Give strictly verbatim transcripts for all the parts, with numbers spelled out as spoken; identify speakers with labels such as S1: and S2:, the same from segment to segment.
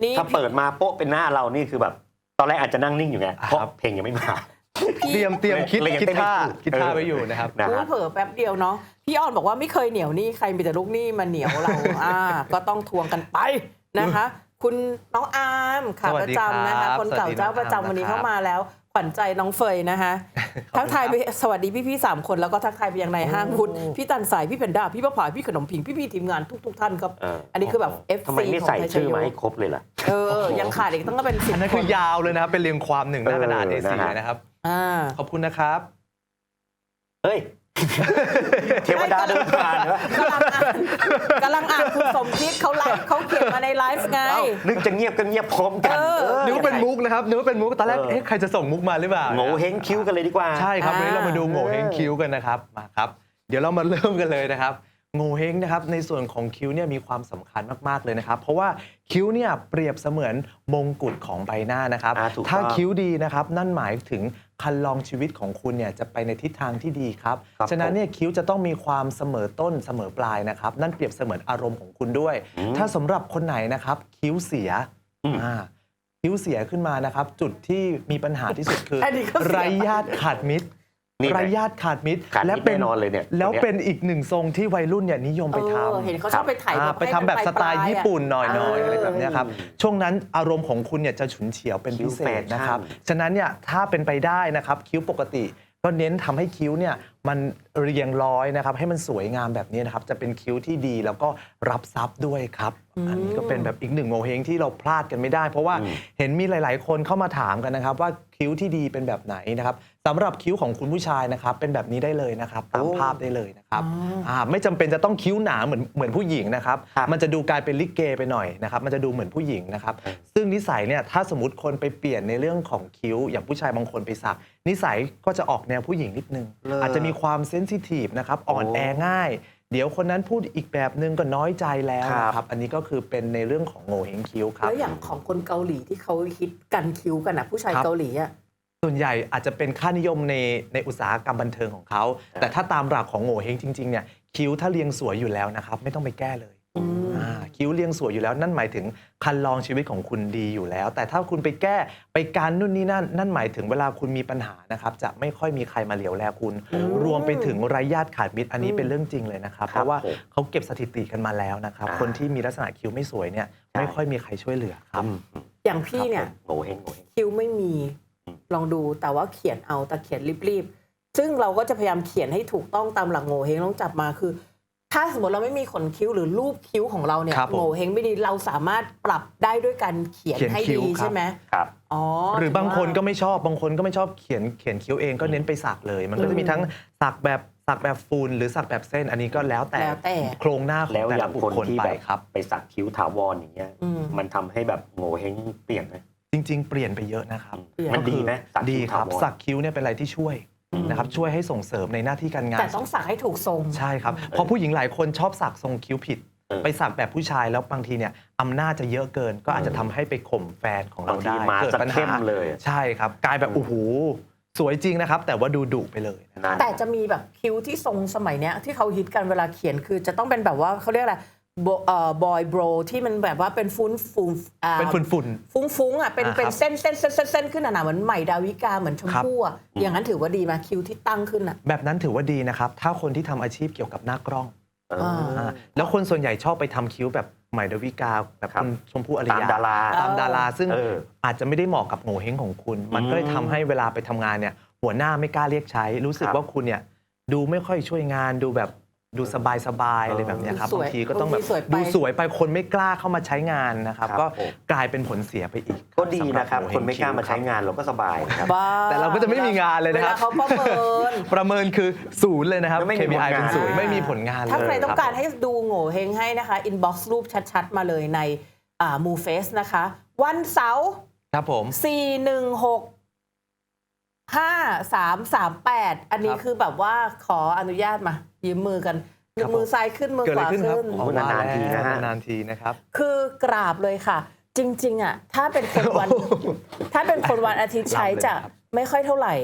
S1: ถ้าเปิดมาโป๊ะเป็นหน้าเรานี่คือแบบตอนแรกอาจจะนั่งนิ่งอยู่ไงเพราะเพลงยังไม่มา
S2: เตรียมเตรียมคิดคิดท่าคิดท่าไว้อยู่นะครับ
S3: เผลอแป๊บเดียวเนาะพี่อ้อนบอกว่าไม่เคยเหนียวนี่ใครมีแต่ลูกหนี้มาเหนียวเราอ่าก็ต้องทวงกันไปนะคะคุณน้องอาร์มค่ะประจำนะคะคนเก่าเจ้าประจำวันนี้เข้ามาแล้วขวัญใจน้องเฟยนะคะทักทายไปสวัสดีพี่พี่สามคนแล้วก็ทักทายไปยังในห้างคุณพี่ตันสายพี่เพนด้าพี่ประภาพี่ขนมผิงพี่พี่ทีมงานทุกทุกท่านครับอันนี้คือแบบ เอฟ ซี
S1: ทำไมไม่ใส่ชื่อมาให้ครบเลยล่ะ
S3: เออยังขาดอีกต้องก็เป็นสิบ
S2: อันนั้นคือยาวเลยนะครับเป็นเรียงความหนึ่งหน้ากระดาษ เอ สี่ นะครับขอบคุณนะครับ
S1: เฮ้ยเทวดาเดินผ่านเหรอกำลังอ่าน
S3: กำลังอ่านคุณสมคิดเขาไลฟ์เขาเขียนมาในไลฟ์ไง
S1: นึกจะเงียบก็เงียบพร้อมกัน
S2: นึกว่าเป็นมุกนะครับนึกว่าเป็นมุกตอนแรกเอ๊ะใครจะส่งมุกมาหรือเปล่า
S1: โง่เฮงคิ้วกันเลยดีกว่า
S2: ใช่ครับวันนี้เรามาดูโง่เฮงคิ้วกันนะครับมาครับเดี๋ยวเรามาเริ่มกันเลยนะครับโง่เฮงนะครับในส่วนของคิ้วเนี่ยมีความสำคัญมากๆเลยนะครับเพราะว่าคิ้วเนี่ยเปรียบเสมือนมงกุฎของใบหน้านะครับถ้าคิ้วดีนะครับนั่นหมายถึงคันลองชีวิตของคุณเนี่ยจะไปในทิศทางที่ดีครับฉะนั้นเนี่ยคิ้วจะต้องมีความเสมอต้นเสมอปลายนะครับนั่นเปรียบเสมือนอารมณ์ของคุณด้วยถ้าสำหรับคนไหนนะครับคิ้วเสียอ่าคิ้วเสียขึ้นมานะครับจุดที่มีปัญหาที่สุดคือไร้ญาติขาดมิตรไร้ญาติขาดมิตร
S1: และเป็นนอนเลยเนี่ย
S2: แล้วเป็นอีกหนึ่งทรงที่วัยรุ่นเนี่ยนิยมไปทำ
S3: เห็นเขาชอบไปถ่าย
S2: ไปทำแบบสไตล์ญี่ปุ่นหน่อยๆอะไรแบบนี้ครับช่วงนั้นอารมณ์ของคุณเนี่ยจะฉุนเฉียวเป็นพิเศษนะครับฉะนั้นเนี่ยถ้าเป็นไปได้นะครับคิ้วปกติก็เน้นทำให้คิ้วเนี่ยมันเรียงร้อยนะครับให้มันสวยงามแบบนี้นะครับจะเป็นคิ้วที่ดีแล้วก็รับทรัพย์ด้วยครับอันนี้ก็เป็นแบบอีกหนึ่งโงเฮงที่เราพลาดกันไม่ได้เพราะว่าเห็นมีหลายๆคนเข้ามาถามกันนะครับว่าคิ้วที่ดีเป็นแบบไหนนะครับสำหรับคิ้วของคุณผู้ชายนะครับเป็นแบบนี้ได้เลยนะครับตามภาพได้เลยนะครับไม่จำเป็นจะต้องคิ้วหนาเหมือนเหมือนผู้หญิงนะครับมันจะดูกลายเป็นลิเกไปหน่อยนะครับมันจะดูเหมือนผู้หญิงนะครับซึ่งนิสัยเนี่ยถ้าสมมติคนไปเปลี่ยนในเรื่องของคิ้วอย่างผู้ชายบางคนไปสักนิสัยก็จะออกแนวผู้หญิงนิดนึงอาจจะมีความเซนซิทีฟนะครับอ่อนแอง่ายเดี๋ยวคนนั้นพูดอีกแบบนึงก็น้อยใจแล้วนะครับอันนี้ก็คือเป็นในเรื่องของโง่เฮงคิ้วครับ
S3: แล้วอย่างของคนเกาหลีที่เขาฮิตกันคิ้วกันนะผู้ชายเกาหลีอ่ะ
S2: ส่วนใหญ่อาจจะเป็นค่านิยมในในอุตสาหกรรมบันเทิงของเขาแต่ถ้าตามหลักของโง่เฮงจริงๆเนี่ยคิ้วถ้าเรียงสวยอยู่แล้วนะครับไม่ต้องไปแก้เลยคิ้วเรียงสวยอยู่แล้วนั่นหมายถึงคันลองชีวิตของคุณดีอยู่แล้วแต่ถ้าคุณไปแก้ไปการนู่นนี่นั่นนั่นหมายถึงเวลาคุณมีปัญหานะครับจะไม่ค่อยมีใครมาเหลียวแลคุณรวมไปถึงไร้ญาติขาดมิตรอันนี้เป็นเรื่องจริงเลยนะครับเพราะว่าเขาเก็บสถิติกันมาแล้วนะครับคนที่มีลักษณะคิ้วไม่สวยเนี่ยไม่ค่อยมีใครช่วยเหลือครับ
S3: อย่างพี่เนี่ยคิ้วไม่มีลองดูแต่ว่าเขียนเอาแต่เขียนรีบๆซึ่งเราก็จะพยายามเขียนให้ถูกต้องตามหลักโง่เฮงต้องจับมาคือถ้าสมมติเราไม่มีขนคิ้วหรือรูปคิ้วของเราเนี่ยโง่เฮงไม่ดีเราสามารถปรับได้ด้วยการเขียนให้ดีใช่ไหม
S1: ครับ
S3: อ๋อ
S2: หรือบางคนก็ไม่ชอบบางคนก็ไม่ชอบเขียนเขียนคิ้วเองก็เน้นไปสักเลยมันก็จะมีทั้งสักแบบสักแบบฟูนหรือสักแบบเส้นอันนี้ก็แล้วแต่โครงหน้าของแต่ละบุคคลไปครับ
S1: ไปสักคิ้วถาวรอย่างเงี้ยมันทำให้แบบโง่เฮงเปลี่ยนไหม
S2: จริงๆเปลี่ยนไปเยอะนะครับ
S1: มันดีไหม
S2: ดีครับสักคิ้วเนี่ยเป็นอะไรที่ช่วยนะครับช่วยให้ส่งเสริมในหน้าที่การงาน
S3: แต่ต้องสักให้ถูกทรง
S2: ใช่ครับเพราะผู้หญิงหลายคนชอบสักทรงคิ้วผิดไปสักแบบผู้ชายแล้วบางทีเนี่ยอำนาจจะเยอะเกินก็อาจจะทำให้ไปข่มแฟนของเราได้
S1: เกิดปัญหาเลย
S2: ใช่ครับกลายแบบโอ้โหสวยจริงนะครับแต่ว่าดูดุไปเลย
S3: แต่จะมีแบบคิ้วที่ทรงสมัยเนี้ยที่เขาฮิตกันเวลาเขียนคือจะต้องเป็นแบบว่าเขาเรียกอะไรบอยโบรที่มันแบบว่าเป็นฟุ้นฟุ้ง
S2: เป็นฝุ่นฝุ่น
S3: ฟุ้งฟุ้งอ่ะเป็นเป็นเส้นเส้นเส้นเส้นขึ้นหนาๆเหมือนใหม่ดาวิกาเหมือนชมพู่อ่ะอย่างนั้นถือว่าดีไหมคิ้วที่ตั้งขึ้นอ่ะ
S2: แบบนั้นถือว่าดีนะครับถ้าคนที่ทำอาชีพเกี่ยวกับหน้ากล้องแล้วคนส่วนใหญ่ชอบไปทำคิ้วแบบใหม่ดาวิกาแบบคุณชมพู่อารยา
S1: ตามดารา
S2: ตามดาราซึ่งอาจจะไม่ได้เหมาะกับโง่เฮงของคุณมันก็เลยทำให้เวลาไปทำงานเนี่ยหัวหน้าไม่กล้าเรียกใช้รู้สึกว่าคุณเนี่ยดูไม่ค่อยช่วยงานดูแบบดูสบายสบายอะไรแบบนี้ครับบางทีก็ต้องแบบดูสวยไปคนไม่กล้าเข้ามาใช้งานนะครับก็กลายเป็นผลเสียไปอีก
S1: ก็ดีนะครับคนไม่กล้ามาใช้งานเราก็สบายครับ
S2: แต่เราก็จะไม่มีงานเลยนะครับ
S3: เขาประเมิน
S2: ประเมินคือศูนย์เลยนะครับ เค พี ไอ เป็นศูนย์ไม่มีผลงานเลย
S3: ถ้าใครต้องการให้ดูโง่เฮงให้นะคะอินบ็อกซ์รูปชัดๆมาเลยในมูเฟสนะคะวันเสาร์
S2: ครับผม
S3: สี่ หนึ่ง หก ห้า สาม สาม แปดอันนี้คือแบบว่าขออนุญาตมายืมมือกันมือซ้ายขึ้นมือขวาขึ้น
S2: นานๆทีนะฮะนานๆทีนะครับ
S3: คือกราบเลยค่ะจริงๆอ่ะถ้าเป็นคนวันถ้าเป็นคนวันอาทิตย์ใช้จะไม่ค่อยเท่าไหร่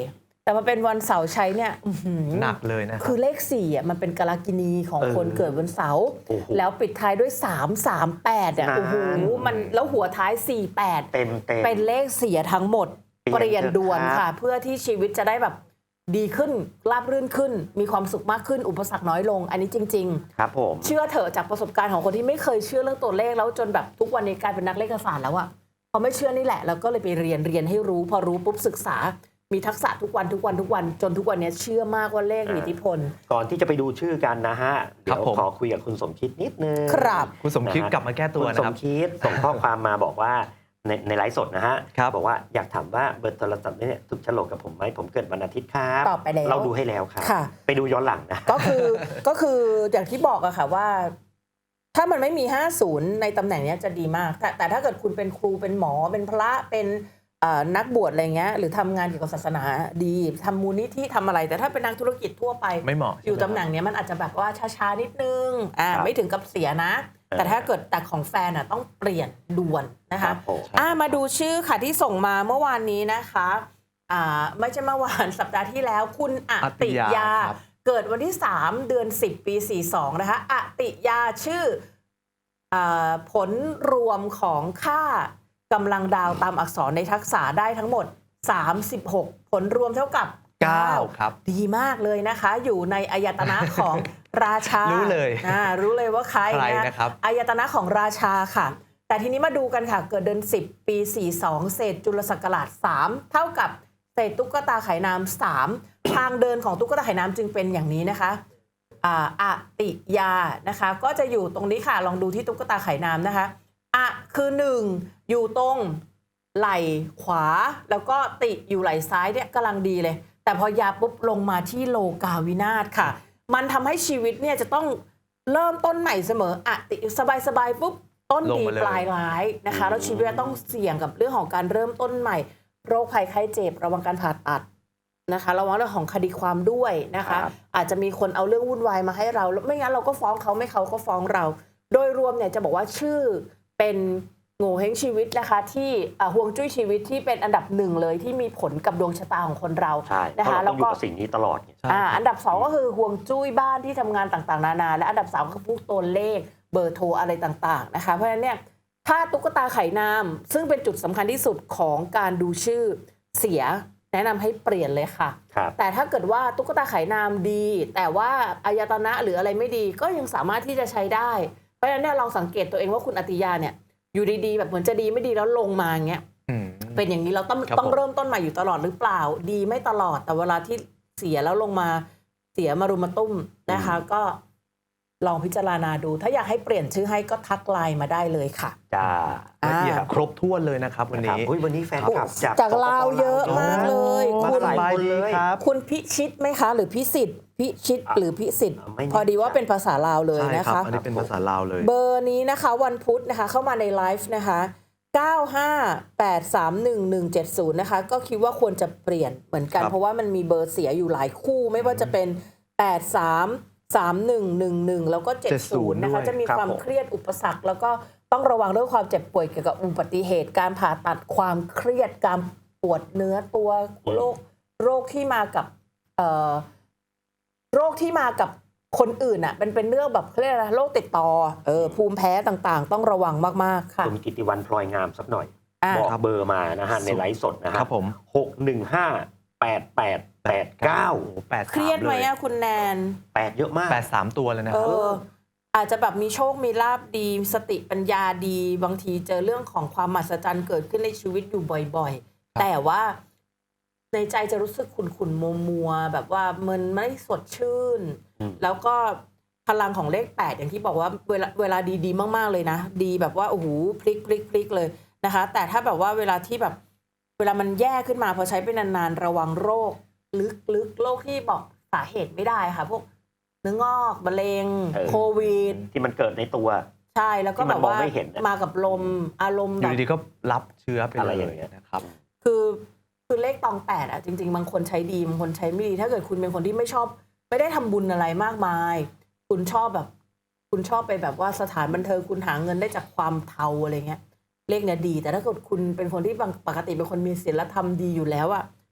S3: แต่มาเป็นวันเสาร์ใช้เนี่ยอื้อหือ
S2: หนักเลยนะครั
S3: คื
S2: บ
S3: อเลขสี่อ่ะมันเป็นกาลกินีของ
S1: เออ
S3: คนเกิดวันเสาร์
S1: โอ้โห
S3: แล้วปิดท้ายด้วยสามสามแปดอ่ะ
S1: นาน
S3: โอ้โหมันแล้วหัวท้ายสี่แปด
S1: เต็มเต็ม
S3: เป็นเลขเสียทั้งหมด
S1: เป
S3: เป
S1: ลี่
S3: ลี่
S1: ย
S3: ย
S1: น
S3: นด่วน
S1: เถอะครับ
S3: ค่ะ เพื่อที่ชีวิตจะได้แบบดีขึ้นราบรื่นขึ้น มีความสุขมากขึ้นอุปสรรคน้อยลง อันนี้จริง
S1: ครับผม
S3: ๆ เชื่อเถอะจากประสบการณ์ของคนที่ไม่เคยเชื่อเรื่องตัวเลขแล้วจนแบบทุกวันนี้กลายเป็นนักเลขศาสตร์แล้วอะพอไม่เชื่อนี่แหละแล้วก็เลยไปเรียนเรียนให้รู้ พอรู้ปุ๊บศึกษา มีทักษะทุกวันทุกวันทุกวันจนทุกวันนี้เชื่อมากว่าเลขมีอิทธิพล
S1: ก่อนที่จะไปดูชื่อกันนะฮะ เดี๋ยว
S2: ผม
S1: ขอคุยกับคุณสมคิดนิดนึง
S3: ครับ
S2: คุณสมคิด
S1: นะฮะ
S2: กลับมาแก้ตัว
S1: คุณ
S2: นะ
S1: ส
S2: ครั
S1: ม
S2: บ
S1: คิดส่งข้อความมาบอกว่าในในไลฟ์สดนะฮะ
S2: ครับ
S1: บอกว่าอยากถามว่าเบอร์โทรศัพท์เนี่ยถูกโฉลกกับผมไหมผมเกิดวันอาทิตย์ครับ
S3: ตอบไปแล้ว
S1: เราดูให้แล้วครับ
S3: ค่ะ
S1: ไปดูย้อนหลังนะ
S3: ก็คือก็คืออย่างที่บอกอะค่ะว่า ถ้ามันไม่มีห้าสิบในตำแหน่งเนี้ยจะดีมาก แต่แต่ถ้าเกิดคุณเป็นครูเป็นหมอเป็นพระเป็นเอ่อนักบวชอะไรเงี้ยหรือทำงานเกี่ยวกับศาสนาดีทำมูลนิธิทำอะไร แต่ถ้าเป็นนักธุรกิจทั่วไป
S2: ไม่เหมาะ
S3: อยู่
S2: ใช่
S3: ตำ
S2: ไหม
S3: แหน่งเนี้ยมันอาจจะแบบว่าช้าๆนิดนึงอ่า
S1: ครับ
S3: ไม่ถึงกับเสียนะ แต่ถ้าเกิดแต่ของแฟนอะต้องเปลี่ยนด่วนนะ
S1: ครั
S3: คะ
S1: บผม
S3: อ่ามาดูชื่อค่ะที่ส่งมาเมื่อวานนี้นะคะอ่าไม่ใช่เมื่อวาน สัปดาห์ที่แล้วคุณอติยา
S2: ครับ
S3: เกิดวันที่สามเดือนสิบปีสี่สองนะคะอติยาชื่ออาผลรวมของค่ากำลังดาวตามอักษรในทักษะได้ทั้งหมดสามสิบหกผลรวมเท่ากับ
S2: เก้าครับ
S3: ดีมากเลยนะคะ อยู่ในอายตนะของราชา
S2: รู้เลย
S3: อ่ารู้เลยว่าใคร
S2: ใครนะครับ
S3: อายตนะของราชาค่ะ แต่ทีนี้มาดูกันค่ะ เกิดเดือนสิบปีสี่สองเศษจุลศักราชสามเท่ากับเศษตุ๊กตาไขนามสามทางเดินของตุ๊กตาไขนามจึงเป็นอย่างนี้นะคะอ่าอติยานะคะ ก็จะอยู่ตรงนี้ค่ะ ลองดูที่ตุ๊กตาไขนามนะคะอะคือหนึ่งอยู่ตรงไหล่ขวา แล้วก็ติอยู่ไหล่ซ้ายเนี่ยกำลังดีเลย แต่พอยาปุ๊บลงมาที่โลกาวินาศค่ะ มันทำให้ชีวิตเนี่ยจะต้องเริ่มต้นใหม่เสมออะติสบายๆปุ๊บต้น
S2: ลง
S3: ดี
S2: มาเลย
S3: ปลายร้ายนะคะแล้วชีวิตจะต้องเสี่ยงกับเรื่องของการเริ่มต้นใหม่ โรคภัยไข้เจ็บระวังการผ่าตัดนะคะระวังเรื่องของคดีความด้วยนะคะ
S1: ครับ
S3: อาจจะมีคนเอาเรื่องวุ่นวายมาให้เราแล้วไม่งั้นเราก็ฟ้องเขาไม่เขาก็ฟ้องเรา โดยรวมเนี่ยจะบอกว่าชื่อเป็นโง่เฮงชีวิตนะคะที่อ่าฮวงจุ้ยชีวิตที่เป็นอันดับหนึ่งเลยที่มีผลกับดวงชะตาของคนเรา
S1: ใช่เพ
S3: นะ
S1: ราะ
S3: คะ
S1: เราต้องอยู่
S3: แล้วก็
S1: กับสิ่งนี้ตลอดไง
S2: ใช่
S3: อ่าอันดับสองก็คือห่วงจุ้ยบ้านที่ทำงานต่างๆนานาและอันดับสามก็คือพวกตัวเลขเบอร์โทรอะไรต่างๆนะคะเพราะฉะนั้นเนี่ยถ้าตุ๊กตาไข่นามซึ่งเป็นจุดสำคัญที่สุดของการดูชื่อเสียแนะนำให้เปลี่ยนเลยค่ะ
S1: ครับ
S3: แต่ถ้าเกิดว่าตุ๊กตาไข่นามดี แต่ว่าอายตนะหรืออะไรไม่ดีก็ยังสามารถที่จะใช้ได้ เพราะฉะนั้นเนี่ยลองสังเกตตัวเองว่าคุณอติยาเนี่ยอยู่ดีๆแบบเหมือนจะดีไม่ดีแล้วลงมาอย่างเงี้ย
S2: อืม
S3: เป็นอย่างนี้เราต้อง
S2: ครับ
S3: ต้อง
S2: ผม
S3: เริ่มต้นใหม่อยู่ตลอดหรือเปล่า ดีไม่ตลอดแต่เวลาที่เสียแล้วลงมาเสียมารุมมาตุ้มนะคะ ก็ลองพิจารณาดู ถ้าอยากให้เปลี่ยนชื่อให้ก็ทักไลน์มาได้เลยค่ะ
S1: จ้า
S3: อ่า
S2: ละเอียดครบถ้วนเลยนะครับวัน
S1: ครับ
S2: นี้
S1: อุ๊ยวันนี้แฟนคลับจาก
S3: จากลาวเยอะมากเลย
S2: มา
S3: คุณ
S2: สบายดีครับ
S3: คุณพิชิตไหมคะ หรือพิสิทธิ์พิชิตหรือพิสิทธิ์
S1: ไม่แน่
S3: พอดีว่าเป็นภาษาลาวเลย
S2: ใช่
S3: นะ
S2: ครั
S3: คะ
S2: บอันนี้เป็นภาษาลาวเลย
S3: เบอร์นี้นะคะวันพุธนะคะเข้ามาในไลฟ์นะคะเก้า ห้า แปด สาม หนึ่ง หนึ่ง เจ็ด ศูนย์นะคะก็คิดว่าควรจะเปลี่ยนเหมือนกัน
S2: ครับ
S3: เพราะว่ามันมีเบอร์เสียอยู่หลายคู่ ไม่ว่าจะเป็น แปด สาม สาม หนึ่ง หนึ่ง หนึ่ง แล้วก็ เจ็ด ศูนย์ นะคะ
S2: ด้วย
S3: จะมี
S1: ครับ
S3: ความ
S1: ผม
S3: เครียดอุปสรรค แล้วก็ต้องระวังเรื่องความเจ็บป่วยเกี่ยวกับอุบัติเหตุ การผ่าตัดความเครียดการปวดเนื้อตัวโรคโรคที่มากับเอ่อโรคที่มากับคนอื่นอ่ะเป็นเป็นเรื่องแบบเขาเรียกอะไรโรคติดต่อเออภูมิแพ้ต่างๆ ต้องระวังมากๆค่ะ
S1: คุณกิติวันพลอยงามสักหน่อย
S3: อ่า
S1: บอกเบอร์มานะฮะในไลฟ์สดนะฮะ
S2: ครับผม
S1: หกหนึ่งห้าแปดแปดแปดเก้า
S2: โอ้โหแปด
S3: เครียดไหมอะคุณแนน
S1: แปดเยอะมาก
S2: แปดสามตัวเลยนะ
S3: เอ
S2: ครับ
S3: อ อาจจะแบบมีโชคมีลาบดี สติปัญญาดี บางทีเจอเรื่องของความมหัศจรรย์เกิดขึ้นในชีวิตอยู่บ่อยๆ แต่ว่าในใจจะรู้สึกขุ่นๆ มัวๆ แบบว่ามันไม่สดชื่น
S1: อืม
S3: แล้วก็พลังของเลขแปดอย่างที่บอกว่าเวลาเวลาดีๆ มากๆ เลยนะ ดีแบบว่าโอ้โหพลิกพลิกพลิกเลยนะคะ แต่ถ้าแบบว่าเวลาที่แบบ เวลามันแย่ขึ้นมาพอใช้ไปนานๆ ระวังโรค ลึกๆ โรคที่บอกสาเหตุไม่ได้ค่ะ พวกเนื้องอกมะเร็ง
S1: เออ
S3: โควิด
S1: ที่มันเกิดในตัว
S3: ใช่แล้วก็
S1: ที่
S3: แบ
S1: มัน
S3: บ
S1: มอง
S3: ว่า
S1: ไม่เห็นน่ะ
S3: มากับลมอารมณ์
S2: อ
S3: แบ
S2: ยู่
S3: บ
S2: ดีๆก็รับเชื้อไป
S1: อะไร
S2: เล
S1: อย ย่างเงี้ย
S2: นะครับ
S3: คือคือเลขตองแปดอ่ะจริง ๆ บางคนใช้ดีบางคนใช้ไม่ดี ถ้าเกิดคุณเป็นคนที่ไม่ชอบ ไม่ได้ทำบุญอะไรมากมาย คุณชอบแบบ คุณชอบไปแบบว่าสถานบันเทิงคุณหาเงินได้จากความเทาอะไรเงี้ย เลขเนี่ยดี แต่ถ้าเกิดคุณเป็นคนที่บางปกติเป็นคนมีศีลธรรมดีอยู่แล้วอ่ะ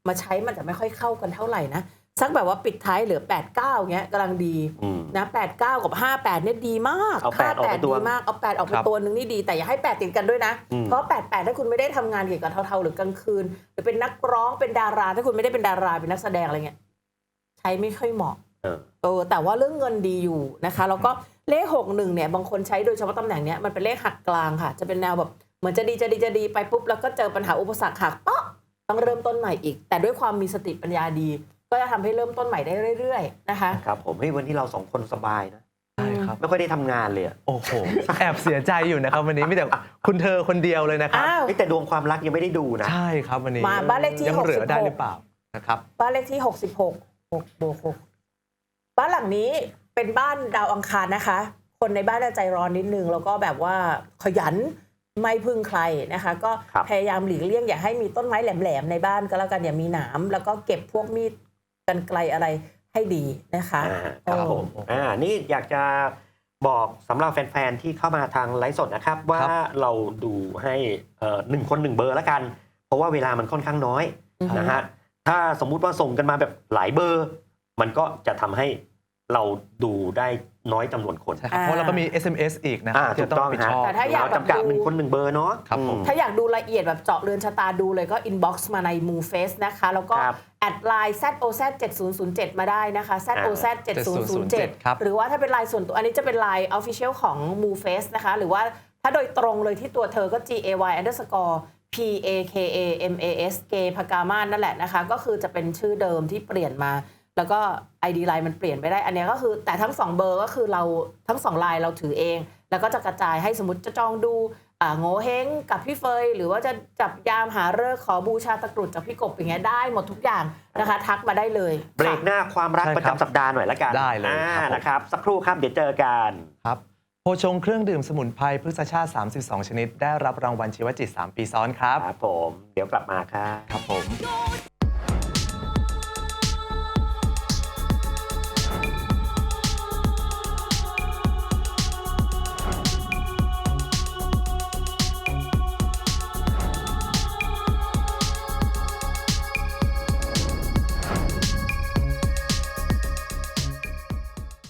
S3: มาใช้มันจะไม่ค่อยเข้ากันเท่าไหร่นะสักแบบว่าปิดท้ายเหลือแปด เก้าเงี้ยกำลังดี
S1: อืม
S3: นะแปด เก้ากับห้า แปดเนี่ยดีมาก
S1: เอาแปดออกไป
S3: ห้า
S1: ตัว
S3: ดีมากเอาแปดออกไป
S2: ครับ
S3: ตัวหนึ่งนี่ดีแต่อย่าให้แปดติดกันด้วยนะ
S1: อืม
S3: เพราะแปด แปดถ้าคุณไม่ได้ทำงานเกี่ยวกับเทาๆหรือกลางคืนหรือเป็นนักร้องเป็นดารา ถ้าคุณไม่ได้เป็นดาราเป็นนักแสดงอะไรเงี้ยใช้ไม่ค่อยเหมาะ
S1: เออ
S3: เออแต่ว่าเรื่องเงินดีอยู่นะคะแล้วก็เลขหกหนึ่งเนี่ยบางคนใช้โดยเฉพาะตำแหน่งเนี้ยมันเป็นเลขหักกลางค่ะจะเป็นแนวแบบเหมือนจะดีจะดีจะดีไปปุ๊บแล้วก็เจอปัญหาอุปสรรคหักเปาะต้องเริ่มต้นใหม่อีก แต่ด้วยความมีสติปัญญาดี ก็จะทำให้เริ่มต้นใหม่ได้เรื่อยๆนะคะ
S1: ครับผมเฮ้ยวันนี้เราสองคนสบายนะ
S2: ใช่ครับ
S1: ไม่ค่อยได้ทำงานเลยอะ
S2: โอ้โห แอบเสียใจอยู่นะครับวันนี้มีแต่คุณเธอคนเดียวเลยนะครับ
S3: อ้าว
S1: เฮ้ยแต่ดวงความรักยังไม่ได้ดูนะ
S2: ใช่ครับวันนี้
S3: มาบ้านเลขที่
S2: ยังเหลือได้
S3: หกสิบหก
S2: หรือเปล่านะครับ
S3: บ้านเลขที่หกสิบหก หกบวกหกบ้านหลังนี้เป็นบ้านดาวอังคารนะคะ คนในบ้านจะใจร้อนนิดนึงแล้วก็แบบว่าขยันไม่พึ่งใครนะคะ ก็
S1: ครับ
S3: พยายามหลีกเลี่ยงอย่าให้มีต้นไม้แหลมๆในบ้านก็แล้วกันอย่ามีหนามแล้วก็เก็บพวกมีดกรรไกรอะไรให้ดีนะคะ
S1: อ่าครับผม
S2: โอ้
S1: อ่านี่อยากจะบอกสำหรับแฟนๆที่เข้ามาทางไลฟ์สดนะครับ ว่า
S2: ครับ
S1: เราดูให้เอ่อหนึ่งคนหนึ่งเบอร์แล้วกัน เพราะว่าเวลามันค่อนข้างน้อย
S3: อือฮึ
S1: นะฮะถ้าสมมุติว่าส่งกันมาแบบหลายเบอร์ มันก็จะทำให้เราดูได้น้อยจำนวนคน
S2: ใช่ครับเพราะเราก็มี เอส เอ็ม เอส อีกนะค
S1: อ่า
S2: รับ
S1: ถู
S2: ที่
S1: ก
S2: ต้อง
S1: ต้อง
S2: รับผิด
S1: ฮะ
S2: ชอบ
S3: แต่ถ้าอยาก
S1: เราจำกัดหนึ่งคนหนึ่งเบอร์เนาะ
S2: ครับผม
S1: อื
S3: ถ้าอยากดูละเอียดแบบเจาะเรือนชะตาดูเลยก็ inbox มาใน มูเฟส นะคะ แล้วก็
S1: ครับ
S3: แอดไลน์ แซด โอ แซด เจ็ดศูนย์ศูนย์เจ็ด มาได้นะคะ แซด โอ แซด เจ็ดศูนย์ศูนย์เจ็ด
S2: ครับ
S3: หรือว่าถ้าเป็นไลน์ส่วนตัว อันนี้จะเป็นไลน์ Official ของ มูเฟส นะคะ หรือว่าถ้าโดยตรงเลยที่ตัวเธอก็ G A Y underscore P A K A M A S เกพกามานั่นแหละนะคะ ก็คือจะเป็นชื่อเดิมที่เปลี่ยนมา แล้วก็ ไอ ดี ไลน์มันเปลี่ยนไปได้ อันเนี้ยก็คือแต่ทั้งสองเบอร์ก็คือเราทั้งสองไลน์เราถือเอง แล้วก็จะกระจายให้สมมติจะจองดูอ่าโง่เฮงกับพี่เฟย หรือว่าจะจับยามหาฤกษ์ขอบูชาตะกรุดจากพี่กบอย่างเงี้ยได้หมดทุกอย่างนะคะ ทักมาได้เลย
S1: เบรก
S3: ค่ะ
S1: หน้าความรัก
S2: ใช่
S1: ประ
S2: ครับ
S1: จำสัปดาห์หน่อยละกัน
S2: ได้เลย
S1: อ่า
S2: ครับผม
S1: นะครับ สักครู่ครับเดี๋ยวเจอกัน
S2: ครับโพชงเครื่องดื่มสมุนไพรพฤกษชาติ สามสิบสอง ชนิด ได้รับรางวัลชีวจิต สาม ปีซ้อนครับ
S1: ครับผม เดี๋ยวกลับมาครับ
S2: ครับผม